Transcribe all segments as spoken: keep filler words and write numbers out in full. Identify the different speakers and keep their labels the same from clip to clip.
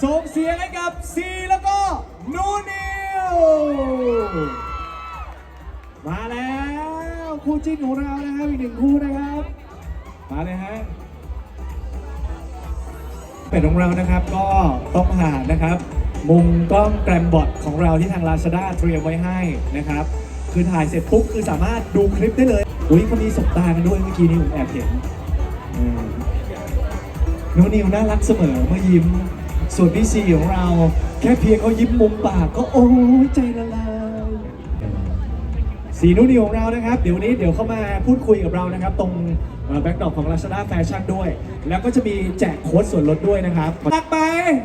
Speaker 1: ส่งเสียงให้กับซีแล้วก็นูนิวมาแล้วคู่จิ้นของเรานะครับอีกหนึ่งคู่นะครับมาเลยฮะเป็ดของเรานะครับก็ต้องผ่านนะครับมุมกล้องแกรมบอทของเราที่ทาง Lazada เตรียมไว้ให้นะครับคือถ่ายเสร็จปุ๊บคือสามารถดูคลิปได้เลยอุ้ยเขามีสบตากันด้วยเมื่อกี้นี้ผมแอบเห็นนูนิวน่ารักเสมอเมื่อยิ้มส่วนพี่ซีของเราแค่เพียงเขายิ้มมุมปากก็โอ้ยใจละลายสีนูนิวของเรานะครับเดี๋ยวนี้เดี๋ยวเข้ามาพูดคุยกับเรานะครับตรงแบ็คดรอปของ Lazada Fashion ด้วยแล้วก็จะมีแจกโค้ดส่วนลดด้วยนะครับตักไป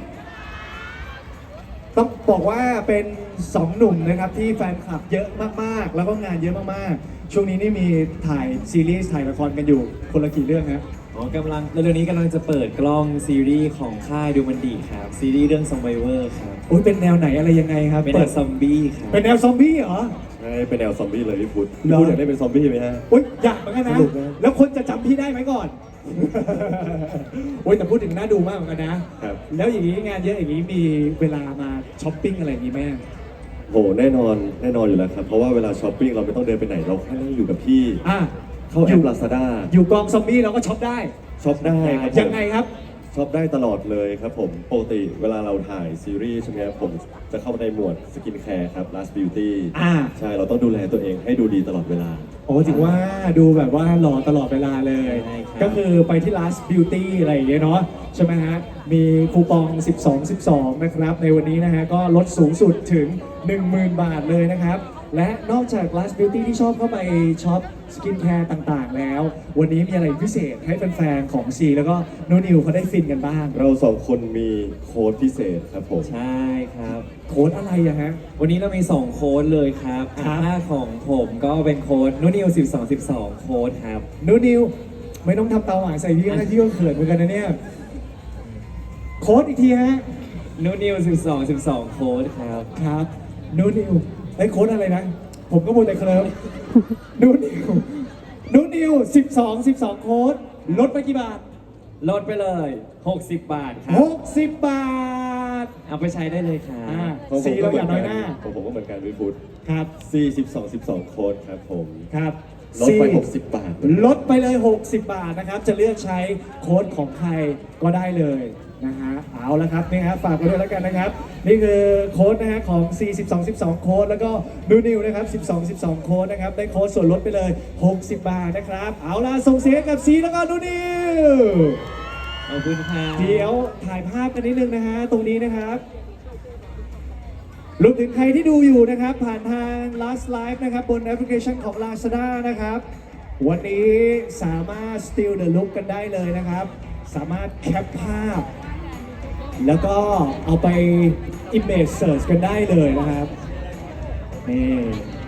Speaker 1: ต้องบอกว่าเป็นสองหนุ่มนะครับที่แฟนคลับเยอะมากๆแล้วก็งานเยอะมากๆช่วงนี้นี่มีถ่ายซีรีส์ถ่ายละครกันอยู่คนละกี่เรื่องครับ
Speaker 2: อ๋อกำลังเร็วๆนี้กำลังจะเปิดกล้องซีรีส์ของค่ายดูมันดีครับซีรีส์เรื่อง Survivor ครับ
Speaker 1: โอ้ยเป็นแนวไหนอะไรยังไงครับ
Speaker 2: เป็นแนวซอมบี้ครับ
Speaker 1: เป็นแนวซอมบี้เหรอ
Speaker 3: ใช่เป็นแนวซอมบี้เลยพี่พุทธพี่พุทธอยากได้เป็นซอมบี้ไหมฮะ
Speaker 1: โอ้ยอยากเหมือนกันนะแล้วคนจะจำพี่ได้ไหมก่อนโอ้ยแต่พูดถึงน่าดูมากเหมือนกันนะครับแล้วอย่างนี้งานเยอะอย่างนี้มีเวลามาช้อปปิ้งอะไรอย่างนี้ไหม
Speaker 3: โหแน่นอนแน่นอนอยู่แล้วครับเพราะว่าเวลาช้อปปิ้งเราไม่ต้องเดินไปไหนเราแค่นั่งอยู่กับพี่
Speaker 1: อ่ะ
Speaker 3: เข้าแอป Lazada
Speaker 1: อยู่กองซอมบี้เราก็ช็อปได้
Speaker 3: ช็อปได้ครับ
Speaker 1: ยังไงครับ
Speaker 3: ช็อปได้ตลอดเลยครับผมปกติเวลาเราถ่ายซีรีส์ใช่ไหมครับผมจะเข้าในหมวดสกินแคร์ครับ Last Beauty
Speaker 1: อ่า
Speaker 3: ใช่เราต้องดูแลตัวเองให้ดูดีตลอดเวลา
Speaker 1: โอ้ถือว่าดูแบบว่าหล่อตลอดเวลาเลยก็คือไปที่ Last Beauty อะไรอย่างเงี้ยเนาะใช่ไหมฮะมีคูปองสิบสอง สิบสองนะครับในวันนี้นะฮะก็ลดสูงสุดถึง หนึ่งหมื่น บาทเลยนะครับและนอกจาก Last Beauty ที่ชอบเข้าไปช็อปสกินแคร์ต่างๆแล้ววันนี้มีอะไรพิเศษให้แฟนๆของซีแล้วก็โนนิวเขาได้ฟินกันบ้าง
Speaker 3: เราสองคนมีโค้ดพิเศษครับผม
Speaker 2: ใช่ครับ
Speaker 1: โค้ดอะไรอะฮะ
Speaker 2: วันนี้เรามีสองโค้ดเลยครับค่าของผมก็เป็นโค้ดนูนิวสิบสอง สิบสองโค้ดครับ
Speaker 1: นูนิวไม่ต้องทำเตาหวานใส่พี่นะพี่ก็เขินเหมือนกันนะเนี่ยโค้ดอีกทีฮะ
Speaker 2: นูนิวสิบสอง สิบสองโค้ดครับ
Speaker 1: ครับนูนิวไอ้โค้ดอะไรนะผมก็พูดแต่เคลิ้มนูนิวนูนิวสิบสอง สิบสองโค้ดลดไปกี่บาท
Speaker 2: ลดไปเลยหกสิบบาทครับ
Speaker 1: หกสิบบาท
Speaker 2: เอาไปใช้ได้เลยครับ
Speaker 1: ซีเราอย่าน้อยหน้า
Speaker 3: ผมผมก็เหมือนกันพี่พุทธ
Speaker 1: ครับ
Speaker 3: ซีสิบสอง สิบสองโค้ดครับผม
Speaker 1: ครับ
Speaker 3: ลดไปหกสิบบาท
Speaker 1: ลดไปเลยหกสิบบาทนะครับจะเลือกใช้โค้ดของใครก็ได้เลยนะฮะเอาละครับนี่ฮะฝากไว้ด้วยแล้วกันนะครับนี่คือโค้ดนะฮะของ ซี สิบสอง สิบสอง โค้ดแล้วก็นูนิวนะครับสิบสอง สิบสอง โค้ดนะครับได้โค้ดส่วนลดไปเลยหกสิบบาทนะครับเอาล่ะส่งเสียงกับซีแล้วก็นูนิว
Speaker 2: ขอบคุณครับ
Speaker 1: เดี๋ยวถ่ายภาพกันนิดนึงนะฮะตรงนี้นะครับรวมถึงใครที่ดูอยู่นะครับผ่านทาง Last Live นะครับบนแอปพลิเคชันของ Lazada นะครับวันนี้สามารถ Steal the Look กันได้เลยนะครับสามารถแคปภาพแล้วก็เอาไป Image Search กันได้เลยนะครับนี่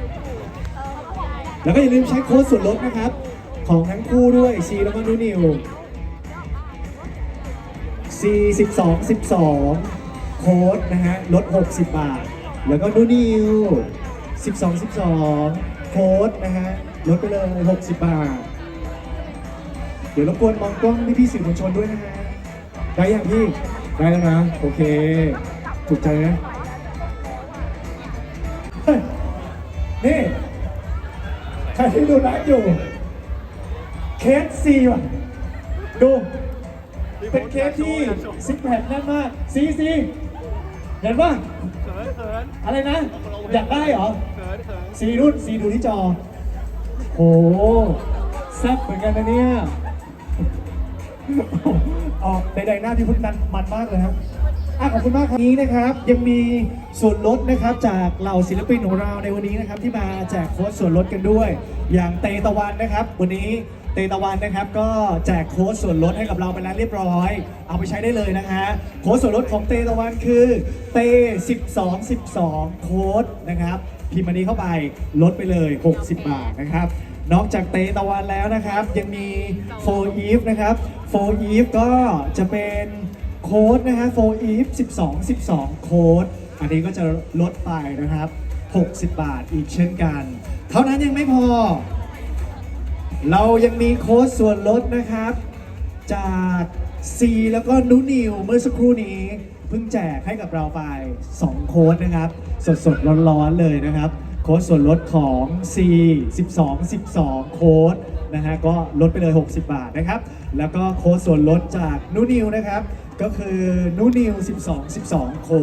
Speaker 1: แล้วก็อย่าลืมใช้โค้ดส่วนลดนะครับของทั้งคู่ด้วยซีแล้วก็นูนิว ซี สิบสอง สิบสอง โค้ดนะฮะลดหกสิบบาทแล้วก็นูนิวสิบสอง สิบสอง โค้ดนะฮะลดไปเลยหกสิบบาทเดี๋ยวรบกวนมองกล้องพี่พี่สื่อมวลชนด้วยนะฮะได้ยังพี่ได้แล้วนะโอเคถูกใจนะนี่ใครที่ดูไลฟ์อยู่เคสซีว่ะดูเป็นเคสที่ซิกแพคแน่นมากซีซีเห็นป่ะอะไรนะอยากได้เหรอซีรุ่นซีดูที่จอโอ้แซ่บเหมือนกันนะเนี่ยออกใดๆหน้าที่พุทธนันมันมากเลยครับอ่ะขอบคุณมากครับนี้นะครับยังมีส่วนลดนะครับจากเหล่าศิลปินของเราในวันนี้นะครับที่มาแจกโค้ดส่วนลดกันด้วยอย่างเตตะวันนะครับวันนี้เตตะวันนะครับก็แจกโค้ดส่วนลดให้กับเราไปแล้วเรียบร้อยเอาไปใช้ได้เลยนะฮะโค้ดส่วนลดของเตตะวันคือเตสิบสอง สิบสองโค้ดนะครับพิมพ์อันนี้เข้าไปลดไปเลยหกสิบบาทนะครับนอกจากเตตะวันแล้วนะครับยังมีโฟอีฟนะครับโฟอีฟก็จะเป็นโค้ดนะฮะโฟอีฟสิบสอง สิบสองโค้ดอันนี้ก็จะลดไปนะครับหกสิบบาทอีกเช่นกันเท่านั้นยังไม่พอเรายังมีโค้ดส่วนลดนะครับจาก ซีแล้วก็นูนิวเมื่อสักครู่นี้เพิ่งแจกให้กับเราไปสองโค้ดนะครับ สดๆร้อนๆเลยนะครับ โค้ดส่วนลดของ C สิบสอง สิบสอง โค้ดนะฮะก็ลดไปเลย หกสิบบาทนะครับ แล้วก็โค้ดส่วนลดจากนูนิวนะครับ ก็คือนูนิวสิบสอง สิบสอง โค้ด